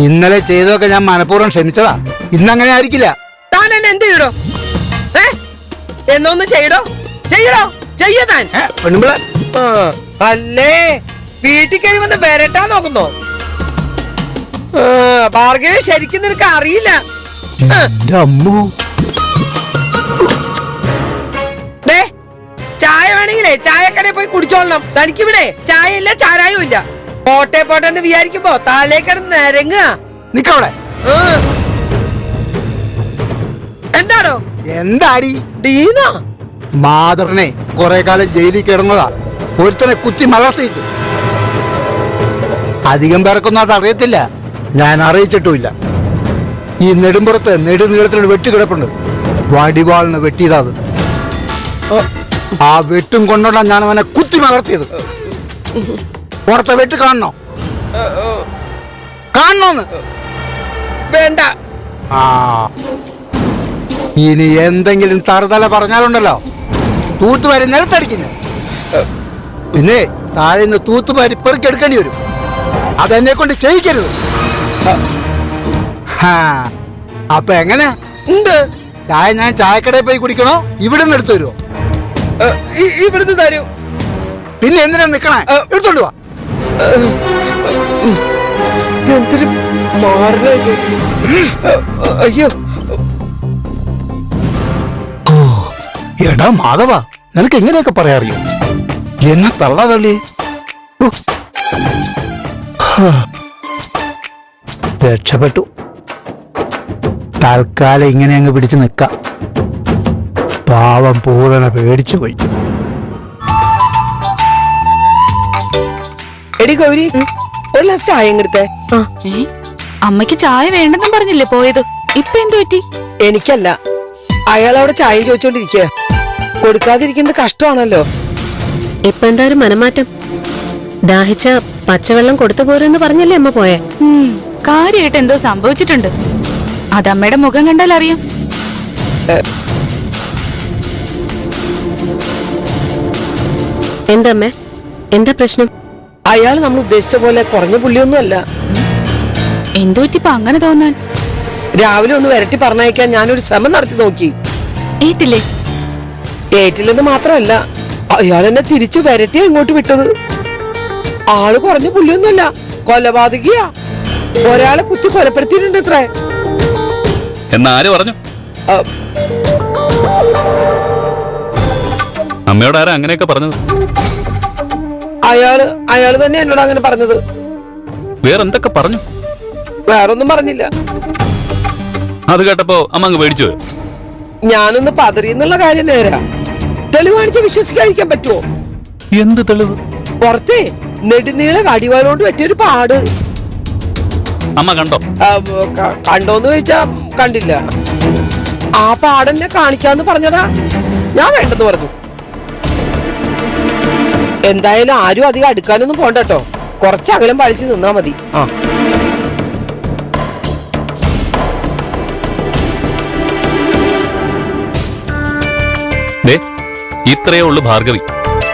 ഇന്നലെ ചെയ്തതൊക്കെ ഞാൻ മനഃപൂർവ്വം ക്ഷമിച്ചതാ. ഇന്നങ്ങനെ ആയിരിക്കില്ല. താൻ എന്നെ എന്ത് ചെയ്യടോ? എന്നൊന്ന് ചെയ്യടോ, ചെയ്യടോ, ചെയ്യ താൻ. പെണ്ണുമ്പിള അല്ലേ വീട്ടിൽ കയറി വന്ന് വരട്ടാ നോക്കുന്നോ? ഭാർഗവ ശരിക്കും നിനക്ക് അറിയില്ല. അമ്മു ചായ വേണമെങ്കിലേ ചായക്കടയിൽ പോയി കുടിച്ചോളണം. തനിക്കിവിടെ ചായ ഇല്ല, ചാരായും ഇല്ല. പോട്ടെ പോട്ടെ എന്ന് വിചാരിക്കുമ്പോ താലേക്കടന്ന് നിരങ്ങുക. നിക്കവിടെ. എന്താണോ? എന്താടി ഡീനാ മാതറിനെ കുറെ കാലം ജയിലിൽ കിടന്നതാ. ഒരുത്തനെ കുത്തി മലർത്തിയിട്ടു. അധികം പേർക്കൊന്നും അത് അറിയത്തില്ല. ഞാൻ അറിയിച്ചിട്ടുമില്ല. ഈ നെടുമ്പുറത്ത് നെടുനീളത്തിനൊരു വെട്ടുകിടപ്പുണ്ട്. വടിവാളിന് വെട്ടിയതാത്. ആ വെട്ടും കൊണ്ടോണ്ടാ ഞാൻ അവനെ കുത്തി മലർത്തിയത്. പുറത്തെ വെട്ട് കാണണോ? കാണണോന്ന് വേണ്ട. ആ ഇനി എന്തെങ്കിലും തറുതല പറഞ്ഞാലുണ്ടല്ലോ തൂത്തുവാരി നിലത്തടിക്കുന്നു. പിന്നെ താഴെ നിന്ന് തൂത്തുവാരി പെറുക്കെടുക്കേണ്ടി വരും. അതെന്നെ കൊണ്ട് ചെയ്യിക്കരുത്. അപ്പൊ എങ്ങനെ ചായ ഞാൻ ചായക്കടയിൽ പോയി കുടിക്കണോ? ഇവിടെ നിന്ന് എടുത്തു തരുമോ? ഇവിടുന്ന് തരൂ. പിന്നെ എന്തിനാ നിക്കണേ? എടുത്തോണ്ട് വാ. അയ്യോ എടാ മാധവ, നിനക്ക് എങ്ങനെയൊക്കെ പറയാറിയോ? എന്നെ തള്ളാ തള്ളി. രക്ഷപ്പെട്ടു. തൽക്കാലം ഇങ്ങനെ അങ്ങ് പിടിച്ചു നിക്കാം. പാവം പൂതന പേടിച്ചു പോയി. എടി ഗൗരി, ഒരു ഗ്ലാസ് ചായ എടുത്തേ. അമ്മയ്ക്ക് ചായ വേണ്ടെന്നും പറഞ്ഞില്ലേ പോയത്? ഇപ്പൊ എന്തു പറ്റി? എനിക്കല്ല, അയാൾ അവിടെ ചായ ചോദിച്ചോണ്ടിരിക്കുക. കൊടുക്കാതിരിക്കുന്നത് കഷ്ടമാണല്ലോ. ഇപ്പൊ എന്തായാലും മനമാറ്റം. ദാഹിച്ച പച്ചവെള്ളം കൊടുത്തു പോരെന്ന് പറഞ്ഞല്ലേ അമ്മ പോയെ? കാര്യമായിട്ട് എന്തോ സംഭവിച്ചിട്ടുണ്ട്. അതമ്മയുടെ മുഖം കണ്ടാൽ അറിയാം. എന്താമ്മേ, എന്താ പ്രശ്നം? അയാൾ നമ്മൾ ഉദ്ദേശിച്ച പോലെ കുറഞ്ഞ പുള്ളിയൊന്നും അല്ല. എന്തു പറ്റിപ്പോ അങ്ങനെ തോന്നാൻ? രാവിലെ ഒന്ന് വരട്ടി പറഞ്ഞയക്കാൻ ഞാനൊരു ശ്രമം നടത്തി നോക്കി. ഏറ്റില്ലേ? ഏറ്റില്ലെന്ന് മാത്രമല്ല, അയാൾ എന്നെ തിരിച്ചു വരട്ടിയാ ഇങ്ങോട്ട് വിട്ടത്. ആള് കുറഞ്ഞ പുള്ളിയൊന്നുമല്ല, കൊലപാതകിയാ. ഒരാളെ കുത്തി കൊലപ്പെടുത്തിയിട്ടുണ്ട് ഇത്രേ. എന്നാര് പറഞ്ഞു? അമ്മയോട് ആരാ അങ്ങനെയൊക്കെ പറഞ്ഞത്? അയാള് തന്നെ എന്നോട് അങ്ങനെ പറഞ്ഞത്. വേറെന്തൊക്കെ പറഞ്ഞു? വേറൊന്നും പറഞ്ഞില്ല. അത് കേട്ടപ്പോ അമ്മ അങ്ങ് പേടിച്ചു പോയോ? ഞാനൊന്ന് പതറിയെന്നുള്ള കാര്യം നേരാ. തെളിവാണിച്ച് വിശ്വസിക്കാതിരിക്കാൻ പറ്റുമോ? എന്ത് തെളിവ്? പുറത്തെ നെടുനീള വടിവാലോണ്ട് വെട്ടിയൊരു പാട്. അമ്മ കണ്ടോ? കണ്ടോന്ന് ചോദിച്ചാ കണ്ടില്ല. ആ പാടെന്നെ കാണിക്കാന്ന് പറഞ്ഞതാ. ഞാൻ വേണ്ടെന്ന് പറഞ്ഞു. എന്തായാലും ആരും അധികം അടുക്കാനൊന്നും പോണ്ടട്ടോ. കുറച്ചകലം പഴിച്ച് നിന്നാ മതി. ഇത്രയേ ഉള്ളു ഭാർഗവി.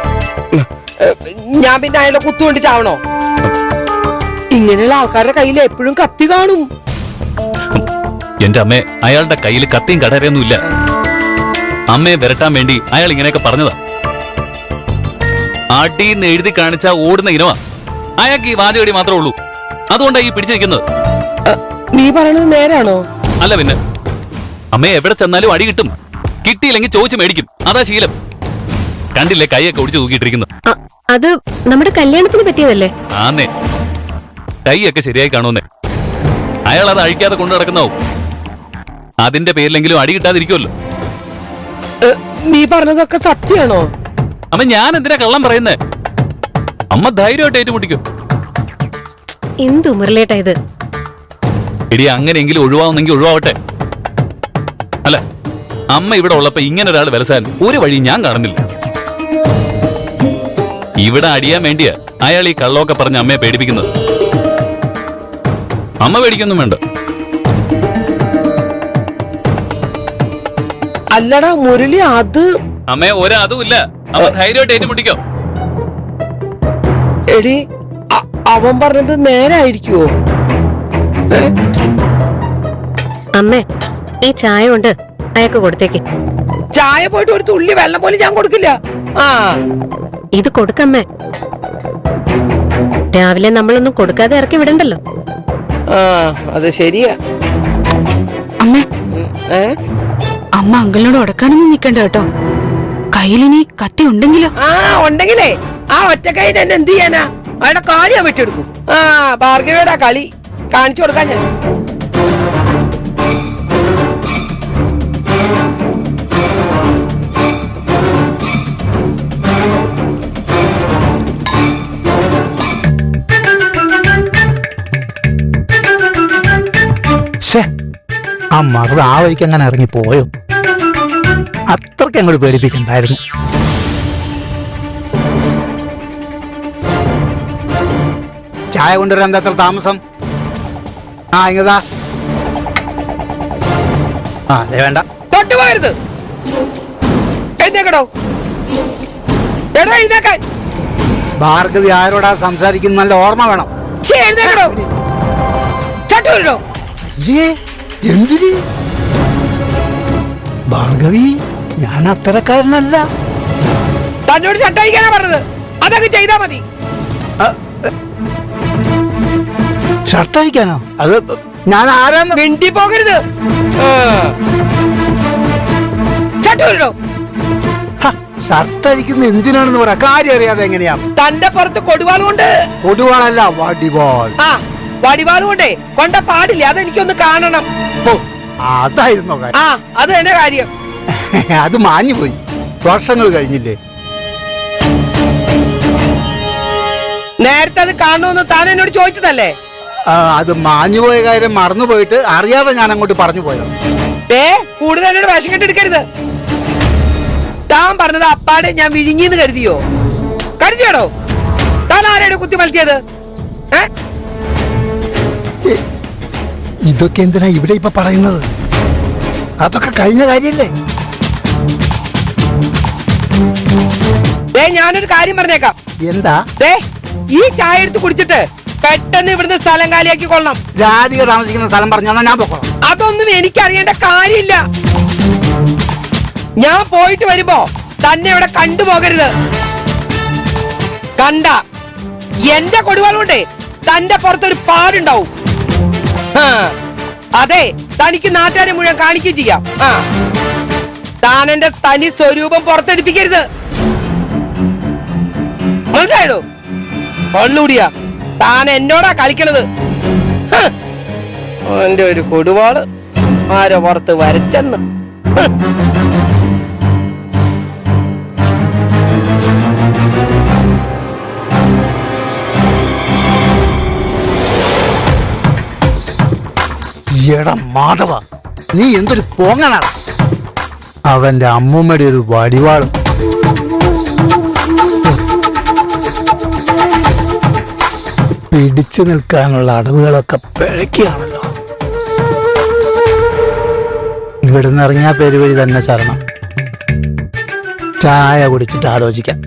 ഞാൻ പിന്നെ അയാളെ കുത്തുകൊണ്ട് ചാവണോ? ഇങ്ങനെയുള്ള ആൾക്കാരുടെ കയ്യിൽ എപ്പോഴും കത്തി കാണും. എന്റെ അമ്മേ, അയാളുടെ കയ്യിൽ കത്തിയും കടരയൊന്നും ഇല്ല. അമ്മയെ വരട്ടാൻ വേണ്ടി അയാൾ ഇങ്ങനെയൊക്കെ പറഞ്ഞതാ. ആട്ടിന്ന് എഴുതി കാണിച്ച ഓടുന്ന ഇനവാ. അയാൾക്ക് ഈ വാചകടി മാത്രമേ ഉള്ളൂ. അതുകൊണ്ടാണ് ഈ പിടിച്ചു നിൽക്കുന്നത്. നീ പറയണത് നേരാണോ? അല്ല പിന്നെ. അമ്മയെ എവിടെ ചെന്നാലും അടി കിട്ടും. കിട്ടിയില്ലെങ്കിൽ ചോദിച്ചു മേടിക്കും. അതാ ശീലം. കണ്ടില്ലേ കൈയൊക്കെ ഒടിച്ചു തൂക്കിയിട്ടിരിക്കുന്നു. അത് നമ്മുടെ കല്യാണത്തിന് പറ്റിയതല്ലേ? ആന്നേ, കൈയൊക്കെ ശരിയായി കാണുന്നേ. അയാൾ അത് അഴിക്കാതെ കൊണ്ടു നടക്കുന്നാവും. അതിന്റെ പേരിലെങ്കിലും അടി കിട്ടാതിരിക്കുമല്ലോ. നീ പറഞ്ഞതൊക്കെ സത്യമാണോ? അമ്മ ഞാൻ എന്തിനാ കള്ളം പറയുന്നേ? അമ്മ ധൈര്യമായിട്ട് ഏറ്റുമുട്ടിക്കും. എന്തു മുരളേട്ടാ ഇത്? ഇടി അങ്ങനെയെങ്കിലും ഒഴിവാവുന്നെങ്കിൽ ഒഴിവാവട്ടെ. അല്ല, അമ്മ ഇവിടെ ഉള്ളപ്പോ ഇങ്ങനെ ഒരാൾ വിലസാൻ ഒരു വഴി ഞാൻ കാണുന്നില്ല. ഇവിടെ അടിയാൻ വേണ്ടിയാ അയാൾ ഈ കള്ളമൊക്കെ പറഞ്ഞ് അമ്മയെ പേടിപ്പിക്കുന്നത്. അമ്മ പേടിക്കൊന്നും വേണ്ട. അല്ലടാ മുരളി, അത് അമ്മയെ അതുമില്ല. അവ ധൈര്യമായിട്ട് ഏറ്റുമുട്ടിക്കോ. എടി, അവൻ പറഞ്ഞത് നേരായിരിക്കുവോ? അമ്മേ ഈ ചായ കൊണ്ട് അയാൾക്ക് കൊടുത്തേക്ക്. ചായ പോയിട്ട് ഒരു തുള്ളി വെള്ളം പോലും ഞാൻ കൊടുക്കില്ല. ആ ഇത് കൊടുക്കമ്മേ. രാവിലെ നമ്മളൊന്നും കൊടുക്കാതെ ഇറക്കി വിടണ്ടല്ലോ. ആ അത് ശരിയാ. അമ്മേ, ഏ അമ്മ അങ്കിളിനോട് ഉടക്കാനൊന്നും നിക്കണ്ട കേട്ടോ. കയ്യിലിനി കത്തി ഉണ്ടെങ്കിലോ? ആ ഉണ്ടെങ്കിലേ ആ ഒറ്റക്കൈ എന്നെ എന്ത് ചെയ്യാനാ? അവരുടെ കാര്യം വെച്ചെടുക്കും. ആ ഭാർഗവിയുടെ കളി കാണിച്ചു കൊടുക്കാൻ ഞാൻ. ആ മറുപടി ആ വഴിക്ക് അങ്ങനെ ഇറങ്ങി പോയോ? അത്രയ്ക്ക് അങ്ങോട്ട് പേടിപ്പിക്കണ്ടായിരുന്നു. ചായ കൊണ്ടുവരാൻ എന്താ അത്ര താമസം? ആ ഇങ്ങതാ. ആ അതെ വേണ്ട. തൊട്ടുപോകരുത്. എഴുന്നേക്കടോ. എടോ എഴുന്നേക്കാൻ. ഭാർഗവി ആരോടാ സംസാരിക്കുന്ന നല്ല ഓർമ്മ വേണം. എഴുന്നേക്കടോ. ചട്ടൂരിടോ. അയ്യേ എന്തിന്? ഭാർഗവി ഞാൻ അത്തരക്കാരനല്ല. തന്നോട് ചട്ടയിക്കാനാ പറഞ്ഞത്. അതൊക്കെ ചെയ്താ മതി. ഷർട്ട് അഴിക്കാനോ? അത് ഞാൻ ആരാന്ന് മിണ്ടി പോകരുത്. ചട്ടൂരിടോ. ഷർട്ട് അഴിക്കുന്ന എന്തിനാണെന്ന് പറയാ. കാര്യം അറിയാതെ എങ്ങനെയാ? തന്റെ പുറത്ത് കൊടുവാൾ കൊണ്ട്. കൊടുവാളല്ല വടിവാൾ. ആ വടിവാൾ കൊണ്ടേ കൊണ്ട പാടില്ല. അതെനിക്കൊന്ന് കാണണം. ഓ അതായിരുന്നോ കാര്യം? ആ അത് തന്നെ കാര്യം. അത് മാഞ്ഞു പോയി. വർഷങ്ങൾ കഴിഞ്ഞില്ലേ? നേരത്തെ അത് കാണണമെന്ന് താൻ എന്നോട് ചോദിച്ചതല്ലേ? അത് മാഞ്ഞുപോയ കാര്യം മറന്നുപോയിട്ട് അറിയാതെ ഞാൻ അങ്ങോട്ട് പറഞ്ഞു പോയോ? കൂടുതൽ എന്നോട് വേഷം കെട്ടെടുക്കരുത്. താൻ പറഞ്ഞത് അപ്പാടെ ഞാൻ വിഴുങ്ങിന്ന് കരുതിയോ? കരുതിയാടോ? താൻ ആരെയാണ് കുത്തി മലത്തിയത്? ഇതൊക്കെ എന്തിനാ ഇവിടെ ഇപ്പൊ പറയുന്നത്? അതൊക്കെ കഴിഞ്ഞ കാര്യല്ലേ? ഞാനൊരു കാര്യം പറഞ്ഞേക്കാം. എന്താ? ഈ ചായ എടുത്ത് കുടിച്ചിട്ട് പെട്ടെന്ന് ഇവിടുന്ന് സ്ഥലം കാലിയാക്കി കൊള്ളണം. രാധിക താമസിക്കുന്ന സ്ഥലം പറഞ്ഞാൽ ഞാൻ പോകണം. അതൊന്നും എനിക്കറിയേണ്ട കാര്യമില്ല. ഞാൻ പോയിട്ട് വരുമ്പോ തന്നെ ഇവിടെ കണ്ടുപോകരുത്. കണ്ട എന്റെ കൊടുവാൾ കൊണ്ടേ തന്റെ പുറത്തൊരു പാടുണ്ടാവും. അതെ തനിക്ക് നാട്ടുകാരെ മുഴുവൻ കാണിക്കുകയും ചെയ്യാം. താൻ എന്റെ തനി സ്വരൂപം പുറത്തെടുപ്പിക്കരുത്. മനസ്സിലായോ? ഒന്നുകൂടിയാ താൻ എന്നോടാ കളിക്കണത്. എന്റെ ഒരു കൊടുവാള് ആരോ പുറത്ത് വരച്ചെന്ന്. എടാ മാധവ, നീ എന്തൊരു പോങ്ങനാണ്. അവന്റെ അമ്മൂമ്മയുടെ ഒരു വടിവാളും. പിടിച്ചു നിൽക്കാനുള്ള അടവുകളൊക്കെ പിഴയ്ക്കുകയാണല്ലോ. ഇവിടുന്ന് ഇറങ്ങിയ പെരുവഴി തന്നെ ശരണം. ചായ കുടിച്ചിട്ട് ആലോചിക്കാം.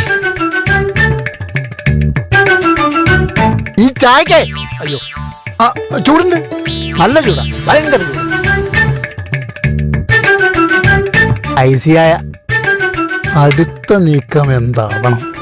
ഈ ചായക്കേ അയ്യോ ചൂടുണ്ട്. നല്ല ചൂടാ, ഭയങ്കര ചൂട്. ഐസിയായ അടുത്ത നീക്കം എന്താവണം?